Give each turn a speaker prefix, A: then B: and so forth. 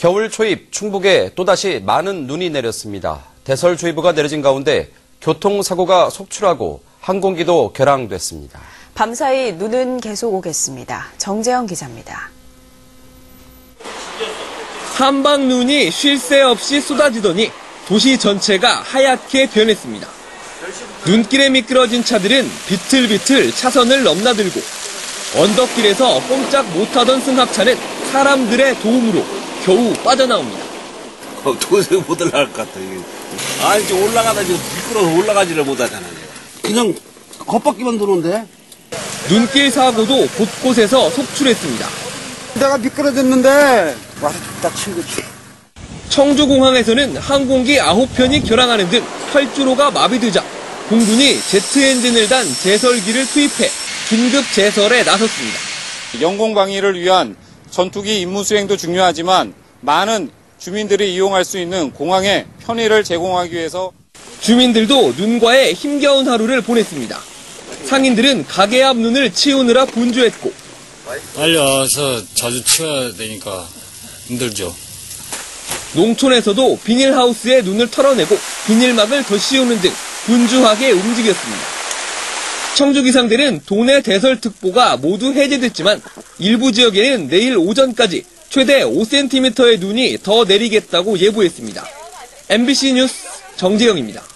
A: 겨울 초입 충북에 또다시 많은 눈이 내렸습니다. 대설주의보가 내려진 가운데 교통사고가 속출하고 항공기도 결항됐습니다.
B: 밤사이 눈은 계속 오겠습니다. 정재영 기자입니다.
C: 한방 눈이 쉴 새 없이 쏟아지더니 도시 전체가 하얗게 변했습니다. 눈길에 미끄러진 차들은 비틀비틀 차선을 넘나들고 언덕길에서 꼼짝 못하던 승합차는 사람들의 도움으로 겨우 빠져나옵니다.
D: 도저히 못 올라갈 것 같아. 이제 올라가다 지금 미끄러워서 올라가지를 못하잖아. 그냥 겉바퀴만 도는데.
C: 눈길 사고도 곳곳에서 속출했습니다.
E: 내가 미끄러졌는데 와서 딱 친 거지.
C: 청주공항에서는 항공기 9편이 결항하는 등 활주로가 마비되자 공군이 제트 엔진을 단 제설기를 투입해 긴급 제설에 나섰습니다.
F: 영공 방위를 위한 전투기 임무 수행도 중요하지만 많은 주민들이 이용할 수 있는 공항의 편의를 제공하기 위해서
C: 주민들도 눈과의 힘겨운 하루를 보냈습니다. 상인들은 가게 앞 눈을 치우느라 분주했고
G: 빨리 와서 자주 치워야 되니까 힘들죠.
C: 농촌에서도 비닐하우스에 눈을 털어내고 비닐막을 더 씌우는 등 분주하게 움직였습니다. 청주기상대는 도내 대설특보가 모두 해제됐지만 일부 지역에는 내일 오전까지 최대 5cm의 눈이 더 내리겠다고 예보했습니다. MBC 뉴스 정재영입니다.